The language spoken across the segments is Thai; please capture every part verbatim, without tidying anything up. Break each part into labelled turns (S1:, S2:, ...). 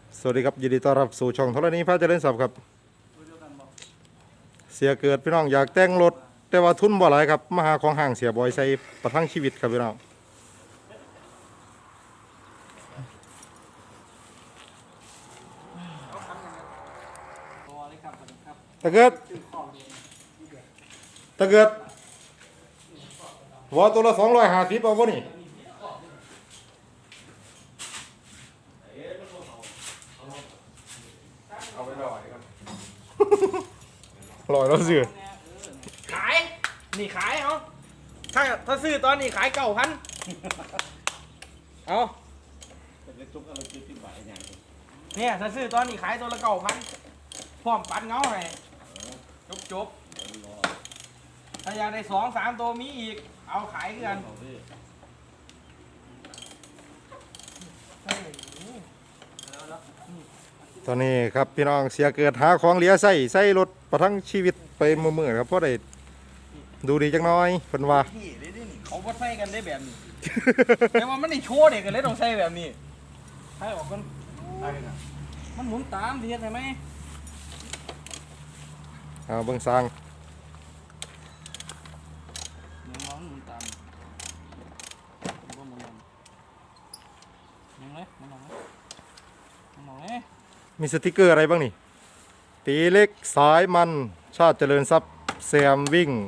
S1: สวัสดีครับยินดีต้อนรับสู่ช่องธรณีพระเจริญทรัพย์ครับเสียเกิดพี่น้องอยากแต่งรถแต่ว่าทุนบ่หลายครับมาหาของห่างเสียบอยใส่ประทังชีวิตครับพี่น้องตะเกิดตะเกิดหัวตัวละสองร้อยห้าสิบเอาบ่นี่เอาไปลอยกันลอยแล้วสิ
S2: ขายนี่ขายเอาถ้าถ้าซื้อตอนนี้ขายเก้าพันเอาเนี่ยถ้าซื้อตอนนี้ขายตัวละเก้าพันพร้อมปัดเงาให้จบจบถ้าอยากได้สองสามตัวมีอีกเอาขายกัน
S1: ตอนนี้ครับพี่น้องเสียเกิดหาของเหลือใส่ใส่รถประทังชีวิตไปมือๆครับเพราะได้ดูดีจังน้อยเพิ่นว่า
S2: นี่นี่นี่เขาก็ใส่กันได้แบบนี้ แต่ว่ามันได้โชว์เด็กกันเลยต้องใส่แบบนี้ให้ออกกันมันหมุนตามดีใช่ไหม
S1: เอาเบิ่งสร้าง
S2: น้องหมุนตามบ่หมุนยังเลยมันลองเลยมันลองเลย
S1: มีสติกเกอร์อะไรบ้างนี่ตีเล็กสายมันชาติเจริญทรัพย์แซมวิ่ง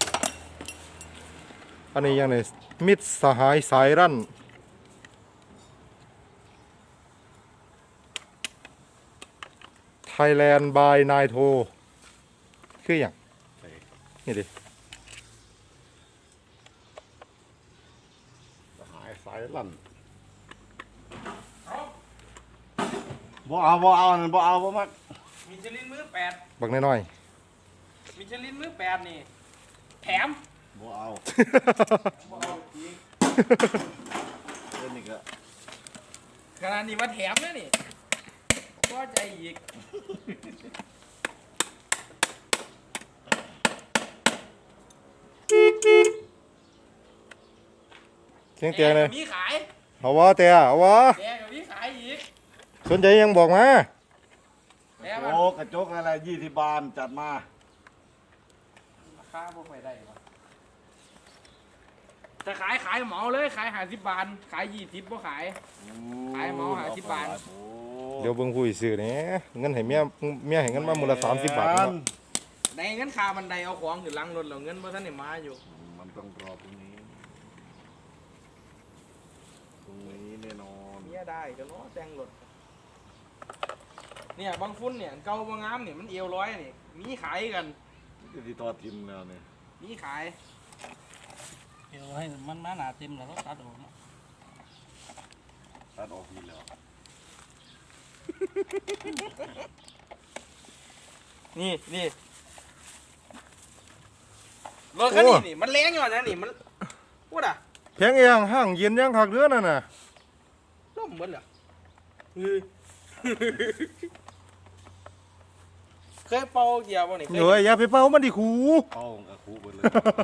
S1: อันนี้ยังไงมิตรสหายสายรั่นไทยแลนด์บายนายโทคืออย่างนี่ดิ
S3: หายสายลั่นบ่เอาบ่เอานั่นบ่เอาบ่มัก
S2: มิชลินมือแปด
S1: บักน้อย
S2: มิชลินมือแปดนี่แถม
S3: บ่เอา
S2: บ่เอาอีก
S3: เล่นนี่ก็
S2: ขนาดนี้ว่าแถมนะนี่ก็ใจอีก
S1: ๆเสียงเตียงเลย
S2: มีขาย
S1: เอาวะเตียเอาวะ
S2: แกกับมีขายอีก
S1: สนใจยังบอกมา
S2: แต่มัน
S3: โอ้กระจกอะไรยี่สิบบาทจัดมา
S2: ราคาพวกไปได้ปะจะขายขายเหมาเลยขายหาสิบบาทขายยี่สิบบ่ขาย ขายหม้อหาสิบบาท
S3: โอ้
S1: เดี๋ยวเบิ่งผู้ซื้อนี่เงินให้เมียเมียให้เงินมามูลละสามสิบบาทเนาะ
S2: ในเงินคาบันไดเอาของขึ้นหลังรถแล้วเงินบ่ทันได้มาอยู่
S3: มันต้องรอตรงนี้ตรงนี้แน่นอน
S2: เมียได้ก็เนาะแต่งรถเนี่ยบางฟุ้นเนี่ยเก่าบางงามเนี่ยมันเอวร้อยนี่มีขายกัน
S3: จะที่ต่อทิมแล้วเนี่ย
S2: มีขาย
S4: เดี๋ยวให้มันมาหนาเต็มแล้วก็ตัดออกมา
S3: ตัดออกทีแล้ว
S2: นี่นี่รถคันนี้นี่มันแรงอยู่นะนี่มันพูดอ่ะ
S1: แพงเองห้างเย็นยังคักเดือนนั่นน่ะ
S2: ล่มหมดเหรอเฮ้ย เคยเป่าเกียร์ป่ะนี่เคย
S1: เดี๋ยวอย่าไปเป่ามันดิคู
S3: เข้ากับคูไปเลย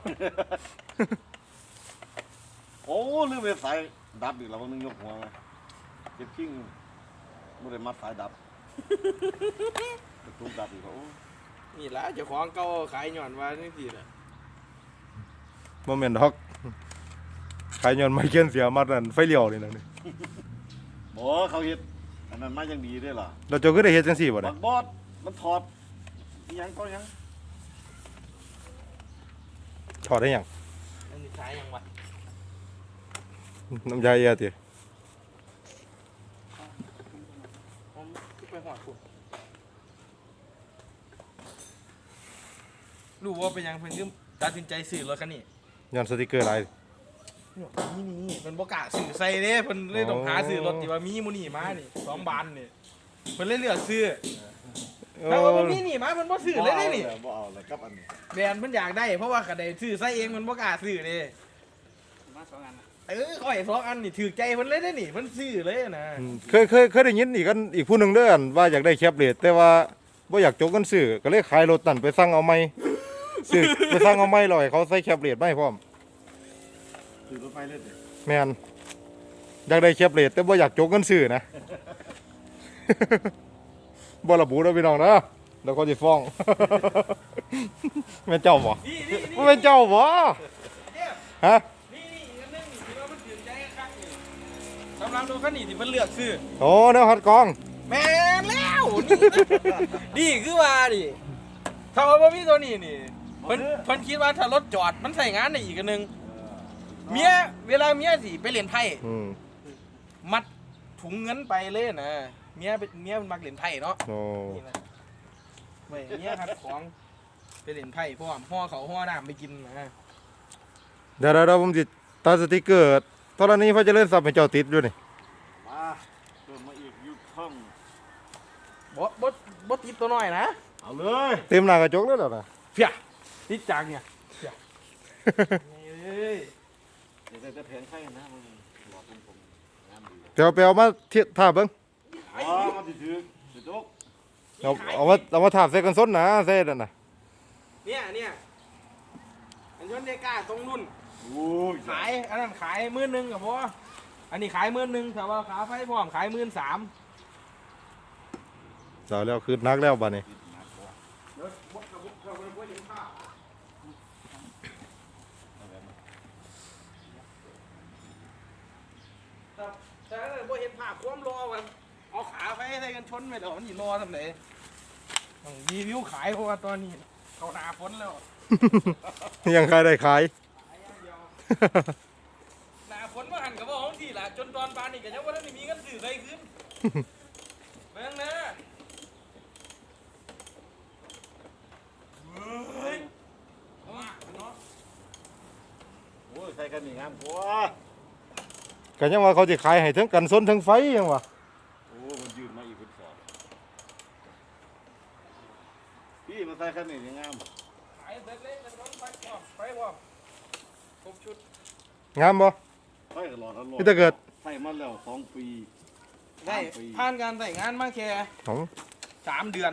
S3: โอ้ลืมไปสายดับอีกแล้ววันนึงยกหัวมาเจ็บขิ้งไม่ได้มัดสายดับกระตุ้นดับอีกแล้วโอ้
S2: นี่ละเจ้าของเก่าขายหย่อนว่านี่สิน่ะ
S1: บ่แม่นดอกขายย้อนไม้เขียนเสียมัดนั่นไฟเลี้ยวนี่นะนี่
S3: บ่เขาเฮ็ดอันนั้นมายังดีด้วยล่ะ
S1: เราเจ้าก็ได้เฮ็ดจังซี่บ่
S3: บั
S1: ได้
S3: กบอสมันถอดอิหยังก็ยัง
S1: ถอดได้หยัง
S2: อันนี้ขายยังวะ
S1: น้ำยาเอียติ
S2: ผมไปหอดคุณรู้ว่าเป็นยังเพิ่นยืมตัดสินใจซื้อรถคันนี้
S1: ย้อนสติกเกอร์หลาย
S2: นี่นี่เพิ่นบ่กล้าซื้อใส่เด้เพิ่นเลยต้องหาซื้อรถที่ว่ามีหมูนี่มานี่สองบานนี่เพิ่นเลยเลือกซื้อ
S1: เอ
S2: ถ้าว่า
S1: อ
S2: บ่มีนี่มาเพิ่นบ่ซื้อเลยเด้นี่
S3: บ่เอาเลยกับอันนี้
S2: แบรนด์เพิ่นอยากได้เพราะว่าคันใดซื้อใส่เองเพิ่นบ่กล้าซื้อเด้
S4: มาสองอันนะ
S2: เออข่อยสองอันนี่ถูกใจเพิ่นเลยเด้นี่เพิ่นซื้อเลยนะ
S1: เคยเคยเคยได้ยินอีกกันอีกผู้หนึงเด้ออั่นว่าอยากได้แคปเลทแต่ว่าบ่อยากจกกันซื้อก็เลยขายรถนั่นไปสั่งเอาใหม่ซื้อไปสั่งเอาใหม่แล้วให้เขาใส่แคปเลทมาให้พร้อม
S3: ถือรถไฟเล่นเด้
S1: แม่นอยากได้แคปเลทแต่บ่อยากจกกันซื้อนะบ่ระบุเด้อพี่น้องเด้อเดี๋ยวเขาสิฟ้อง แม่นเจ้าบ่
S2: นี่นี่นี่
S1: บ่แม่นเจ้าบ่
S2: เนี่ย
S1: ฮะ
S2: นี่นี่อีกอันหนึงนี่ที่ว่ามันตื่นใจคักๆนี่สำหรับตัวคันนี้ที่มันเลือกซื้อ
S1: โอ้แนวฮัดกอง
S2: แม่นแล้วนี่นี่คือว่าดิถ้าว่าบ่มีตัวนี้นี่เพิ่นเพิ่นคิดว่าถ้ารถจอดมันใส่งานได้อีกอันหนึงเมียเวลาเมียสิไปเล่นไพ่
S1: อืม
S2: มัดถุงเงินไปเลยนะเมียเป็นเมียมันมักเล่นไพ่เนาะ
S1: โอ้
S2: นี่นะเว้ยเมียครับของไปเล่นไพ่พร้อมห่อเขาวห่อน้ำไปกินนะ
S1: เดี๋ยวเดี๋ยวเดี๋ยวผมสิตัดสติกเกอร์ตอนนี้พระเจริญทรัพย์ให้เจ้าติดอยู่นี่
S3: มาเติมมาอีกยุคท่อง
S2: บ่บ่บ่ติดตัวน้อยนะ
S3: เอาเลย
S1: เต็มหน้ากระจกเลยเหรอนะ
S2: เพียติดจังเนี่ยเพียเอ้ย
S3: เดี๋ยวจะแผงไข่นะมันหลอดผมงามดี
S1: เดี๋ยวไปเอามาเทียบท่าเบิ้ง
S3: อ๋อมันถือถือถือตุ๊ก
S1: เอาเอามาเอามาถาบใส่กันส้นนะใส่นั่นน่ะ
S2: เนี่ยเนี่ยอันยนต์เดก้าตรงรุ่น
S3: โอ้ย
S2: ขายอันนั้นขายหมื่นหนึ่งกับพ่ออันนี้ขายหมื่นหนึ่งแต่ว่าขาไฟพร้อมขายหมื่นสาม
S1: เจ้าแล้วคือนักแล้วบัดนี้
S2: เดี๋ยวบกกับบุกกับบุกกับเห็นภาพแต่แต่ถ้าบ่เห็นภาพความรอกันเอาขาไฟใส่กันชนไปเดี๋ยวมันสิรอทำไหนต้องรีวิวขายเพราะว่าตอนนี้เขาหนาฝนแล้ว
S1: ยังใครได้ขาย
S2: ขายอย่างเดียว หนาฝนมาหันกับว่าของที่ละจนตอนปานนี่ก็ยังว่าท่านได้มีเงินซื้อใครขึ้นเบิ่งนะเฮ้ยเอามาเนาะ
S3: โอ้ยใส่กันนี่งามกว่า
S1: ก็ยังว่าเขาจะขายให้ทั้งกันส้นทั้งไฟยังวะ
S3: โอ้มันยืนมาอีกเป็นสองพี่มาใส่กันนี่ยังงาม
S2: ขายเสร็จเลยจะต้องไปพร้อมไปพร้อมครบชุด
S1: งามบ่
S3: ใส่ตลอดตลอด
S1: นี่ถ้าเกิด
S3: ใส่มาแล้วสองปี
S2: ได้
S3: สามปี
S2: ผ่านการใส่งานมาแค่
S1: ของ
S2: สามเดือน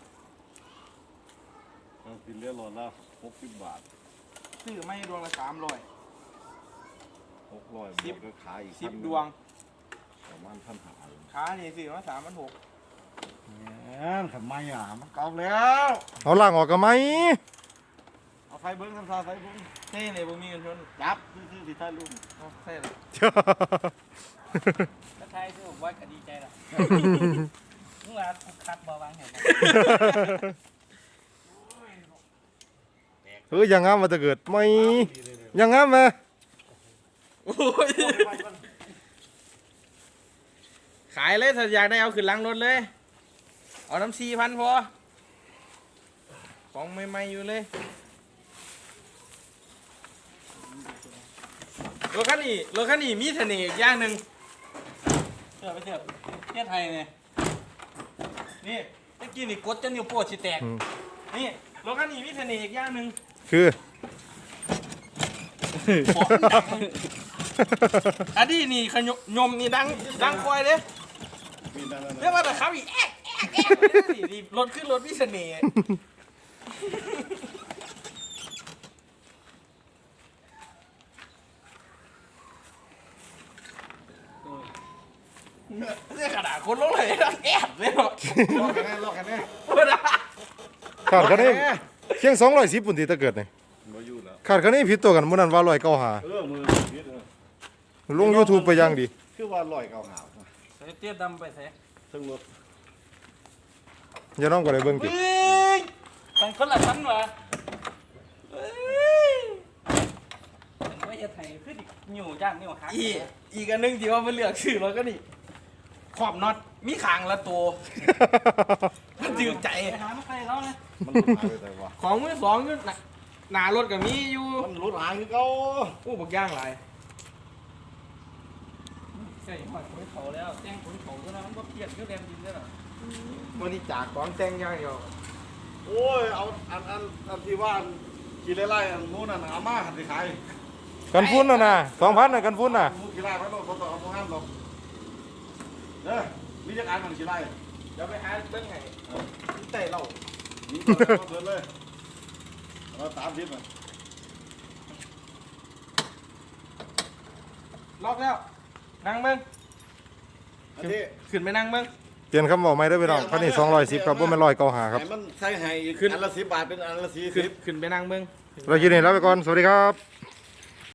S3: เรากินเรียบร้อยแล้วหกสิบบาท
S2: ซื้อไม่ดวงละสามร้อย
S3: หกร้อย
S2: สิบ
S3: ก็ขายอีก
S2: สิบ
S3: พัน
S2: ดวง
S3: ประมาณพันหา
S2: ขานี่ซื้อมาสามพันหก
S3: แหมทำไมอ่ะมันเก่าแล้ว
S1: เอาล่างออกกันไหม
S3: เอาไฟเบิ้งทำซาไฟเบิ้ง
S2: เท่เลยบ่มีเงินชน
S3: จับซื้อๆสิท่านลุง
S2: เอาใช่เลย
S4: ถ้าไทยที่ผมว่าก็ดีใจละมึงว่าคุกคักบ่วางเห็นไหม
S1: เฮ้ยยังงามมาถ้าเกิดไม่ยังงามไหม
S2: โอ้ยขายเลยถ้าอยากได้เอาขึ้นหลังรถเลย เอาน้ำสี่พันพอ ของใหม่ๆอยู่เลยรถคันนี้รถคันนี้มีเสน่ห์อีกอย่างหนึ่ง
S4: เสือไปเสือเทียไทยเนี่ยนี่ตะกี้นี่กดจนนิ้วโป้สิแตก
S1: อืม
S2: นี่รถคันนี้มีเสน่ห์อีกอย่างหนึ่ง
S1: คือ
S2: อันนี้นี่ขยยมนี่ดังดังคอยเลย
S3: มีนั่นนั่น
S2: เรียกว่าแต่ครับอีกแอ๊กแอ๊กแอ๊กนี่นี่รถขึ้นรถมีเสน่ห์เนี่ยขนาดคนลงเลยนะแอบเลยเนาะ
S3: ลอกกันแน่ลอกกันแน่
S2: โอ้นะ
S1: ขาดกันนี่เชียงสองร้อยสิบปุ่นที่ถ้าเกิดนี่
S3: มาอยู่แล้ว
S1: ขาดกันนี่ผิดตัวกันมื่อนั้นว่าร้อยเก้าหา
S3: เออมือพิษเออ
S1: ลง YouTube ไปยังดี
S3: คือว่าลอยเก่าหาว
S4: ใส่เตี้ยดำไปใส่
S3: ซึ่งรถ
S1: อย่าน้องก็เลยเบิ่งติ
S2: เฮ้ย
S4: เป็นคนละชั้นวะเอ้ยเป็นว่าเทียไทยคือดินิ้วย่างนิ้วหัก
S2: อีกอีกอันหนึงที่ว่ามันเลือกชื่อรถก็นี่ขอบน็อตมีขางละตัวมันจืดใจ
S4: ไปหาไม่ใครเขาเลย
S3: มันหลุดหายไปแต่ว่า
S2: ของมือสองอยู่หน้าหน้ารถก็มีอยู่
S3: มันหลุดหายคือเก่า
S2: โอ้บักย่างหลาย
S4: ใส่หอดขนเขาแล้วแจ้งขนเขาก็แล้วมันบ่เพียดก็แรงดินได้หรอ
S2: บริจาคของแต่งอย่างเดียว
S3: โอ้ยเอาอันอันอันที่ว่าขี่ไล่ๆอันนู้นน่ะอาม่าหันไปขาย
S1: กันฟุ้นน่ะนะสองพันน่ะกันฟุ้นน่ะ
S3: มูขี่ไล่ไปโน่นเขาต้องเอาพวกห้ามหรอกเด้อมีจักรอันมันขี่ไล่
S2: เดี๋ยวไปหาเบิ้งไงที่เตะเรา
S3: นี่ก็เดินเลยเราตามทิศมัน
S2: ล็อกแล้วนั่งเบิ้ง
S3: อันนี้
S2: ขึ้นไปนั่งเบิ้ง
S1: เปลี่ยนคำบอกไม่ได้อพี่น้องคันนี้สองร้อยสิบครับบ่แม่นร้อยเก้าห้าครับ
S3: ให้มันใส่ให้อีกอันละสิบบาทเป็นอันละสี่
S2: ขึ้
S3: สิ
S2: น
S3: บ
S2: ขึ้นไปนั่งเบิ่ง
S1: เรากินนี่แล้วไปก่อนสวัสดีครับ